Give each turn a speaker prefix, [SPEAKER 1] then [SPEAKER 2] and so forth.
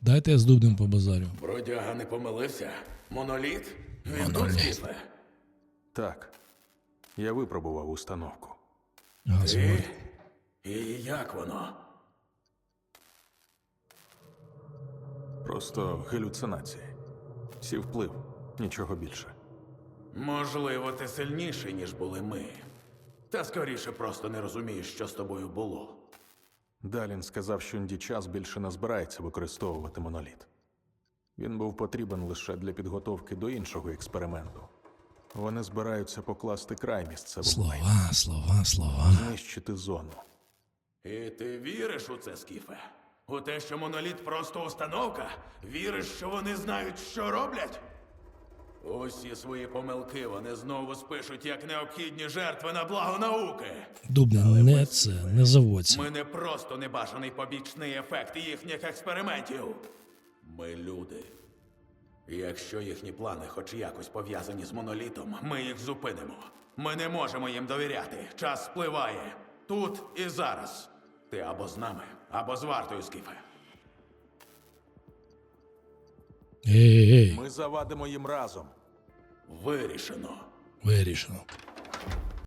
[SPEAKER 1] Дайте я з Дубнем побазарю.
[SPEAKER 2] Бродяга не помилився? Моноліт? Він тут,
[SPEAKER 1] Моноліт.
[SPEAKER 2] Скіфе?
[SPEAKER 3] Так. Я випробував установку.
[SPEAKER 1] Газворд.
[SPEAKER 2] І як воно?
[SPEAKER 3] Просто галюцинації. Сів вплив, нічого більше.
[SPEAKER 2] Можливо, ти сильніший, ніж були ми. Та скоріше просто не розумієш, що з тобою було.
[SPEAKER 3] Далін сказав, що Ндічас більше не збирається використовувати моноліт. Він був потрібен лише для підготовки до іншого експерименту. Вони збираються покласти край місцевому лайну,
[SPEAKER 1] Слова.
[SPEAKER 3] знищити зону.
[SPEAKER 2] І ти віриш у це, Скіфе? У те, що моноліт просто установка? Віриш, що вони знають, що роблять? Усі свої помилки вони знову спишуть як необхідні жертви на благо науки.
[SPEAKER 1] Дубне, не заводься.
[SPEAKER 2] Ми не просто небажаний побічний ефект їхніх експериментів. Ми люди. І якщо їхні плани хоч якось пов'язані з монолітом, ми їх зупинимо. Ми не можемо їм довіряти. Час спливає. Тут і зараз. Ти або з нами, або з вартою, Скіфе.
[SPEAKER 1] Ей,
[SPEAKER 3] Ми завадимо їм разом.
[SPEAKER 2] Вирішено.
[SPEAKER 1] вирішено.